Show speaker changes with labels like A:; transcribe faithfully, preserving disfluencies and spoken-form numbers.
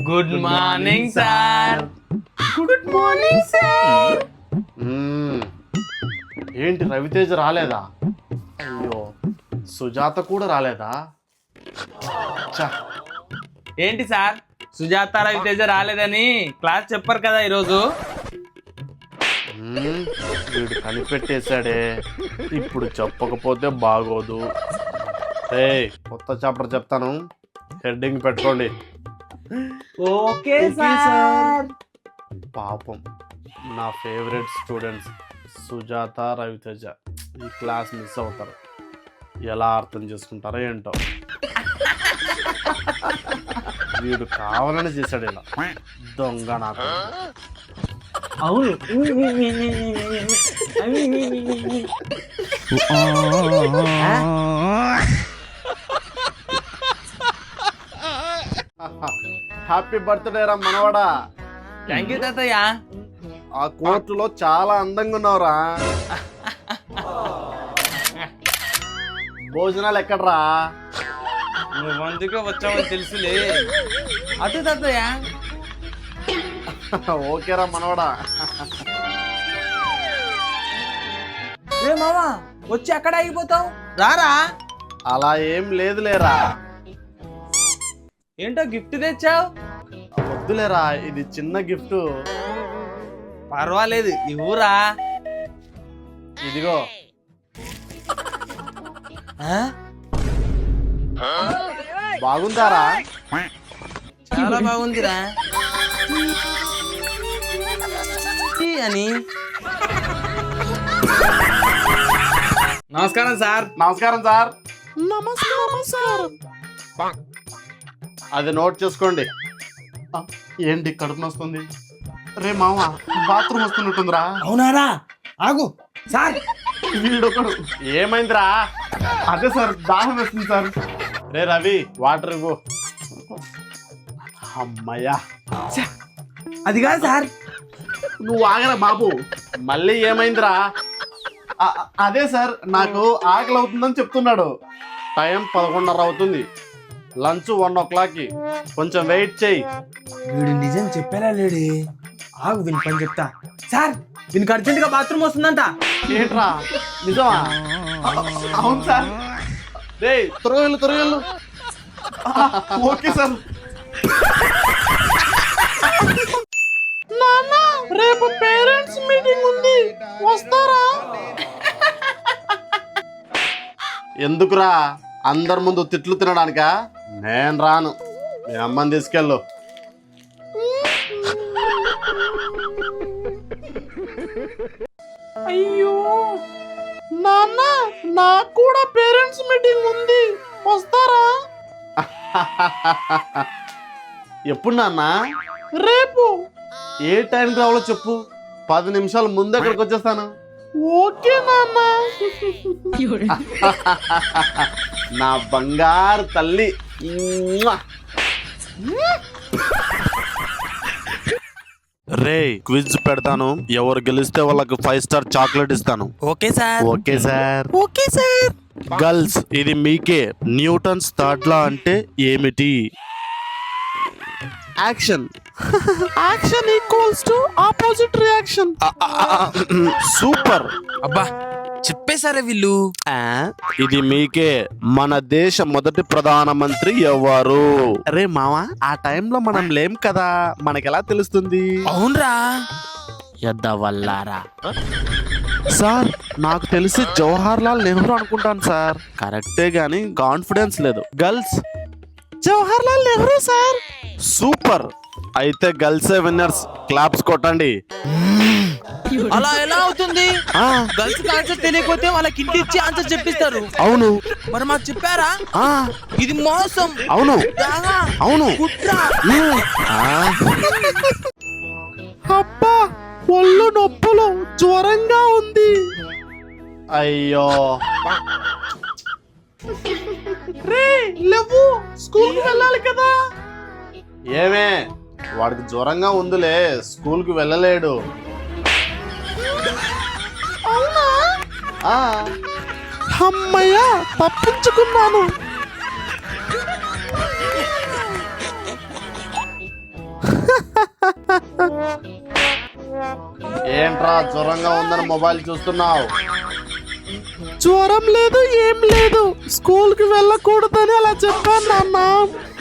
A: Good morning sir. Good morning sir.
B: ఏంటి రవితేజ రాలేదా? అయ్యో, సుజాత కూడా రాలేదా? ఛ,
A: ఏంటి సార్ సుజాత రవితేజ రాలేదని క్లాస్ చెప్పారు కదా ఈరోజు.
B: మ్మ్, వీడు కనిపెట్టేశాడే. ఇప్పుడు చెప్పకపోతే బాగోదు. ఏ కొత్త చాప్టర్ చెప్తాను, హెడ్డింగ్ పెట్టుకోండి.
A: Okay sir.
B: పాపం నా ఫేవరెట్ స్టూడెంట్స్ సుజాత రవితేజ ఈ క్లాస్ మిస్ అవుతారు. ఎలా అర్థం చేసుకుంటారో ఏంటో. వీడు కావాలని చేశాడు ఇలా, దొంగ నాకు.
A: అవును.
B: హ్యాపీ బర్త్డే రా మనవడా.
A: థ్యాంక్ యూ తాతయ్య.
B: ఆ కోర్టులో చాలా అందంగా ఉన్నావురా. భోజనాలు ఎక్కడ్రా?
A: నువ్వు మంచిగా వచ్చావని తెలుసులే. అటు తాతయ్య.
B: ఓకేరా మనవడా.
A: ఏ మామా వచ్చి అక్కడ ఆగిపోతావు, రారా.
B: అలా ఏం లేదులేరా.
A: ఏంటో గిఫ్ట్ తెచ్చావు.
B: వద్దులేరా, ఇది చిన్న గిఫ్ట్.
A: పర్వాలేదు ఇవ్వురా.
B: ఇదిగో. బాగుందారా?
A: చాలా బాగుందిరా అని. నమస్కారం సార్.
B: నమస్కారం సార్. నమస్కారం సార్. అది నోట్ చేసుకోండి. ఆ, ఏంటి కడుపు నొస్తుంది? రే మామ, బాత్రూమ్ వస్తున్నట్టుందిరా.
A: అవునారా, ఆగు సార్.
B: వీడొకడు. ఏమైందిరా? అదే సార్, దాహం వేస్తుంది సార్. రే రవి, వాటర్ ఇవ్వు. అమ్మయ్యా.
A: అది కాదు సార్.
B: నువ్వు ఆగరా బాబు. మళ్ళీ ఏమైందిరా? అ- అదే సార్, నాకు ఆకలి అవుతుందని చెప్తున్నాడు. టైం పదకొండున్నర అవుతుంది. లంచ్ వన్ ఓ క్లాక్కి. కొంచెం వెయిట్ చేయి.
A: వీడు నిజం చెప్పేలా లేడే. ఆగు, వీని పని చెప్తా. సార్ వీనికి అర్జెంట్ గా బాత్రూమ్ వస్తుందంట.
B: ఏంట్రా, నిజమా? అవును సార్. రే త్వరగలు త్వరగలు. Okay sir. నాన్న, రేపు పేరెంట్స్ మీటింగ్ ఉంది, వస్తారా? ఎందుకురా, అందరి ముందు తిట్లు తినడానికా? నేను రాను. మీ అమ్మని తీసుకెళ్ళు. అయ్యో నాన్న, నాకు కూడా పేరెంట్స్ మీటింగ్ ఉంది, వస్తారా? ఎప్పుడు నాన్న? రేపు. ఏ టైంకి రావాలో చెప్పు, పది నిమిషాల ముందు అక్కడికి వచ్చేస్తాను. ఓకే నాన్న. నా బంగారు తల్లి. రే క్విజ్ పెడతాను, ఎవరు గెలిస్తే వాళ్ళకి ఫైవ్ స్టార్ చాక్లెట్ ఇస్తాను.
A: Okay sir.
B: Okay sir.
A: Okay sir.
B: Girls, ఇది మీకే. న్యూటన్స్ థర్డ్ లా అంటే ఏమిటి? Action. Action equals to opposite reaction. Super.
A: అబ్బా చెప్పేశారే వీళ్ళు.
B: ఇది మీకే. మన దేశ మొదటి ప్రధానమంత్రి ఎవరు? అరే మావా, ఆ టైంలో మనం లేం కదా, మనకెలా తెలుస్తుంది?
A: అవునరా.
B: ఎద్దవల్లారా. సార్ నాకు తెలిసి జవహర్ లాల్ నెహ్రూ అనుకుంటాను సార్. కరెక్టే గాని కాన్ఫిడెన్స్ లేదు. Girls, Jawahar Lal Nehru sir. Super. అయితే గర్ల్సే విన్నర్స్. క్లాప్స్ కొట్టండి.
A: అలా ఎలా అవుతుంది? గర్ల్స్ ఆన్సర్ తెలియకపోతే వాళ్ళకి ఇంటి ఇచ్చి ఆన్సర్ చెప్పిస్తారు.
B: అవును.
A: మరి మాకు చెప్పారా? ఇది మోసం.
B: అవును. అవును. అబ్బా, ఒళ్ళు నొప్పులు, జ్వరంగా ఉంది. అయ్యో. రే లేవు, స్కూల్కి వెళ్ళాలి కదా. ఏమే, వాడికి జ్వరంగా ఉందిలే, స్కూల్కి వెళ్ళలేడు. అవునా? అమ్మయ్యా, తప్పించుకున్నాను. ఏంట్రా జ్వరంగా ఉందని మొబైల్ చూస్తున్నావు? జ్వరం లేదు, ఏం లేదు. స్కూల్ కి వెళ్ళకూడదని అలా చెప్పాను నాన్న.